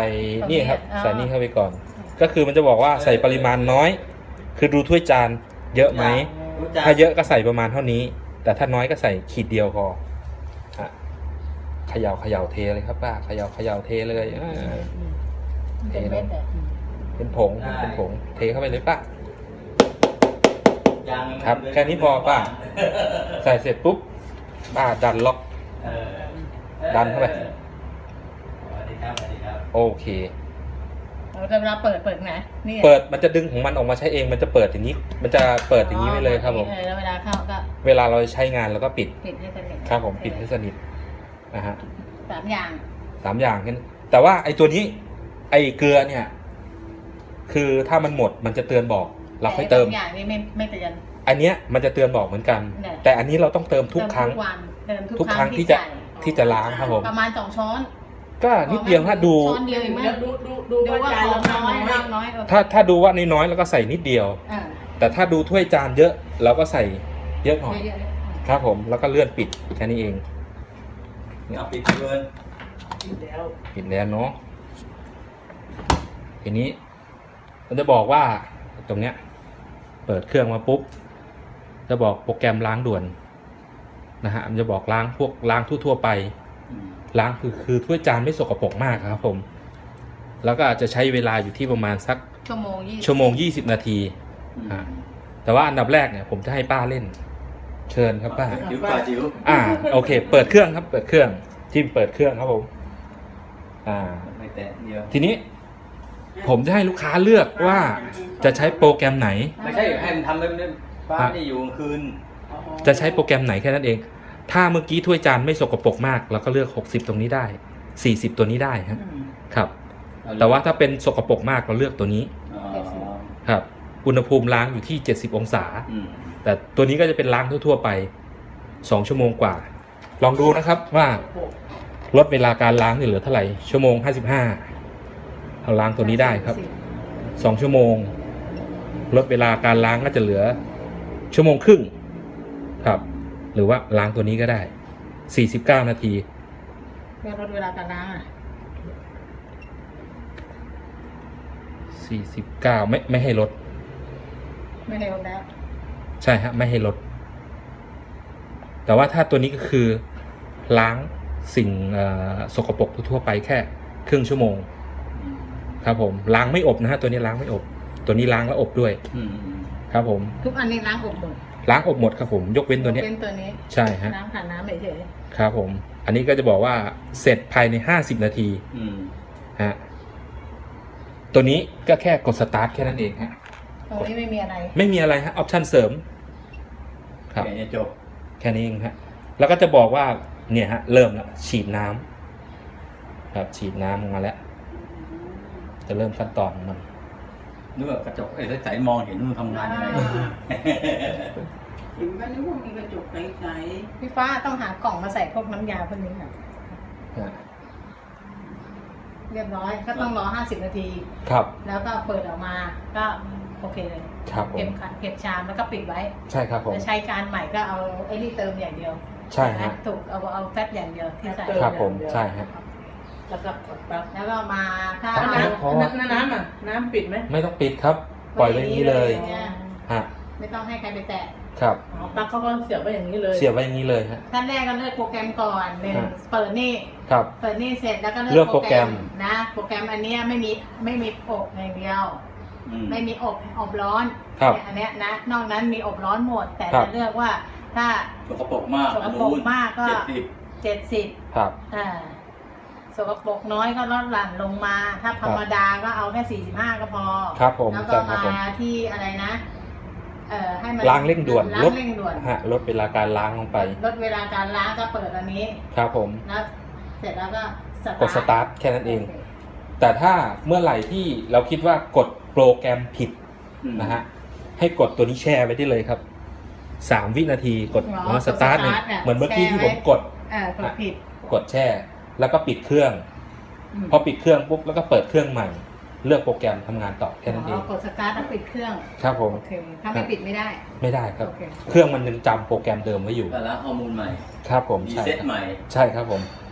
ส่นี่ครับใส่นี่เข้าไปก่อน ก็คือมันจะบอกว่าใส่ปริมาณน้อย คือดูถ้วยจานเยอะไหมถ้าเยอะก็ใส่ประมาณเท่านี้ แต่ถ้าน้อยก็ใส่ขีดเดียวพอเขย่าเทเลยครับป้าเขย่าเทเลยเทลงเป็นผงเทเข้าไปเลยป้าครับแค่นี้พอป้าใส่เสร็จปุ๊บป้าดันล็อกดันเข้าไปโอเคเวลาเปิดไงนี่เปิดมันจะดึงของมันออกมาใช้เองมันจะเปิดอย่างนี้มันจะเปิดอย่างนี้ไปเลยครับผมแล้วเวลาเข้าก็เวลาเราใช้งานเราก็ปิดให้สนิทครับผมปิดให้สนิทนะฮะ 3 อย่างกันแต่ว่าไอ้ตัวนี้ไอ้เกลือเนี่ยคือถ้ามันหมดมันจะเตือนบอกเราค่อยเติมอย่างนี้ไม่เตือนอันเนี้ยมันจะเตือนบอกเหมือนกันแต่อันนี้เราต้องเติมทุกครั้งทุกครั้งที่จะล้างครับผมประมาณ2 ช้อนก็นิดเดียวถ้าดูช้อนเดียวเองมั้ยดูว่าน้อยถ้าดูว่าน้อยแล้วก็ใส่นิดเดียวแต่ถ้าดูถ้วยจานเยอะเราก็ใส่เยอะหน่อยครับผมแล้วก็เลื่อนปิดแค่นี้เองปิดเลยปิดแล้วเนาะทีนี้มันจะบอกว่าตรงเนี้ยเปิดเครื่องมาปุ๊บจะบอกโปรแกรมล้างด่วนนะฮะมันจะบอกล้างพวกล้างทั่วไปล้างคือถ้วยจานไม่สกปรกมากครับผมแล้วก็อาจจะใช้เวลาอยู่ที่ประมาณสักชั่วโมง 20 นาทีแต่ว่าอันดับแรกเนี่ยผมจะให้ป้าเล่นเชิญครับป้าจิ๋วโอเคเปิดเครื่องครับเปิดเครื่องจิ้มเปิดเครื่องครับผมไม่แตะเดียวทีนี้ผมจะให้ลูกค้าเลือกว่าจะใช้โปรแกรมไหนไม่ใช่ให้มันทำเลยป้านี่อยู่กลางคืนจะใช้โปรแกรมไหนแค่นั้นเองถ้าเมื่อกี้ถ้วยจานไม่สกปรกมากเราก็เลือก60ตรงนี้ได้40ตัวนี้ได้ครับแต่ว่าถ้าเป็นสกปรกมากเราเลือกตัวนี้ครับอุณหภูมิล้างอยู่ที่70องศาแต่ตัวนี้ก็จะเป็นล้างทั่วๆไป2 ชั่วโมงกว่าลองดูนะครับว่าลดเวลาการล้างเหลือเท่าไหร่ชั่วโมง55เอาล้างตัวนี้ได้ครับ2 ชั่วโมงลดเวลาการล้างก็จะเหลือ1.5 ชั่วโมงครับหรือว่าล้างตัวนี้ก็ได้49 นาทีลดเวลาการล้าง 49ไม่ให้ลดแล้วใช่ฮะไม่ให้ลดแต่ว่าถ้าตัวนี้ก็คือล้างสิ่งสกปรกทั่วไปแค่1/2 ชั่วโมงครับผมล้างไม่อบนะฮะตัวนี้ล้างไม่อบตัวนี้ล้างแล้วอบด้วยครับผมทุกอันนี้ล้างอบหมดครับผมยกเว้นตัวนี้ใช่ฮะน้ำผ่านน้ำเฉยครับผมอันนี้ก็จะบอกว่าเสร็จภายใน50 นาทีฮะตัวนี้ก็แค่กดสตาร์ทแค่นั้นเองฮะตรงนี้ไม่มีอะไรฮะออปชั่นเสริมครับจบแค่นี้เองฮะแล้วก็จะบอกว่าเนี่ยฮะเริ่มแล้วฉีดน้ำครับฉีดน้ำออกมาแล้วจะเริ่มขั้นตอนมันนึกว่ากระจกใสมองเห็นมันทำงานยังไงเห็นว่านึกว่ามีกระจกใสพี่ฟ้าต้องหากล่องมาใส่พวกน้ำยาพวกนี้ค่ะเรียบร้อยก็ต้องรอ50 นาทีครับแล้วก็เปิดออกมาก็โอเคเลยครับเก็บชามแล้วก็ปิดไว้ใช่ครับผมจะใช้การใหม่ก็เอาไอ้นี่เติมอย่างเดียวใช่ฮะถูกเอาแฟตอย่างเดียวที่ใส่ครับผมใช่ฮะแล้วก็กดปั๊บแล้วก็มาถ้าน้ำปิดไหมไม่ต้องปิดครับปล่อยไว้อย่างนี้เลยฮะไม่ต้องให้ใครไปแตะครับปลั๊กเขาก็เสียบไว้อย่างนี้เลยฮะขั้นแรกก็เลือกโปรแกรมก่อนเปิดนี่ครับเปิดนี่เสร็จแล้วก็เลือกโปรแกรมนะโปรแกรมอันนี้ไม่มีอบอย่างเดียวไม่มีอบร้อนอันนี้นะนอกนั้นมีอบร้อนหมดแต่จะเลือกว่าถ้าสกปรกมากก็70 ครับสกปรกน้อยก็ลดหลั่นลงมาถ้าธรรมดาก็เอาแค่45ก็พอครับผมแล้วก็มาที่อะไรนะให้มันล้างเร่งด่วนลดเวลาการล้างลงไปลดเวลาการล้างก็เปิดอันนี้ครับผมแล้วเสร็จแล้วก็กดสตาร์ทแค่นั้นเองแต่ถ้าเมื่อไหร่ที่เราคิดว่ากดโปรแกรมผิดนะฮะให้กดตัวนี้แช่ไว้ได้เลยครับ3 วินาทีกดสตาร์ทเนี่ยเหมือนเมื่อกี้ที่ผมกดผิดกดแช่แล้วก็ปิดเครื่องพอปิดเครื่องปุ๊บแล้วก็เปิดเครื่องใหม่เลือกโปรแกรมทำงานต่อแค่นั้นเองกดสตาร์ทแล้วปิดเครื่องครับผมถ้าไม่ปิดไม่ได้ครับเครื่องมันยังจำโปรแกรมเดิมไว้อยู่แล้วข้อมูลใหม่ครับผมรีเซ็ตใหม่ใช่ครับผม